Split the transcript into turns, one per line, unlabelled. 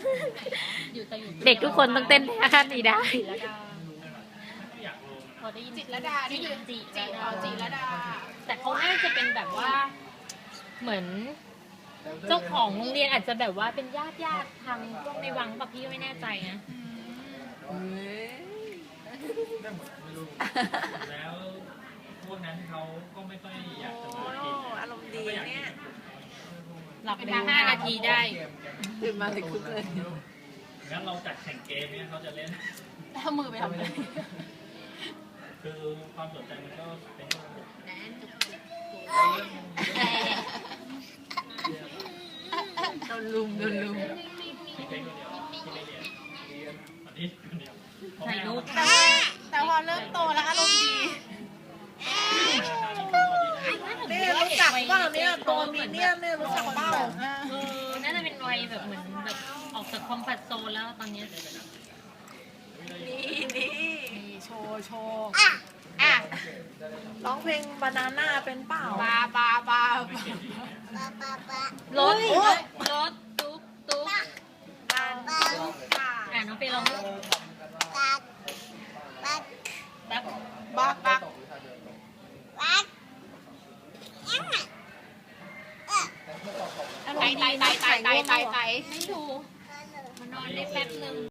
เด็กทุกคนต้องเต้นท่านี้ได้
พอได้ยินจิตรดาได้ยินจิรดา
แต่เขาน่าจะเป็นแบบว่าเหมือนเจ้าของโรงเรียนอาจจะแบบว่าเป็นญาติทางพวกในวังป่ะพี่ไม่แน่ใจนะ
แล้วพวกนั้นเขาก็ไม่ค่อยอยากจะมากิน
อารมณ์ดีเนี่ย
หลับไป5 นาทีได้
ตื่นมาเลยคึกเลย
งั้นเราจัดแข่งเกมเนี่ยเขาจะเล่น
ถ้ามือไปทำอะไร
คือความสนใจมันก็เป็น
โดนลุม
มีเพลงคนเดียวที่ไม่เรียนอันนี้คนเดียว
ถ่ายรูป
แต่พอเริ่มโตแล้วอารมณ์ดีนี่รู้จักเปล่าเนี่ยตัวมีเนี่ยรู้จักเปล่า
น่าจะเป็นวัยแบบเหมือนแบบออกจากคอมฟอร์ตโซนแล้วตอนนี้
นี่โชว์ร้องเพลงบานาน่าเป็นเปล่าบาร
ถตุ๊กน้องไปลอง
บัก
ตายให้ดูมานอนได้แป๊บนึง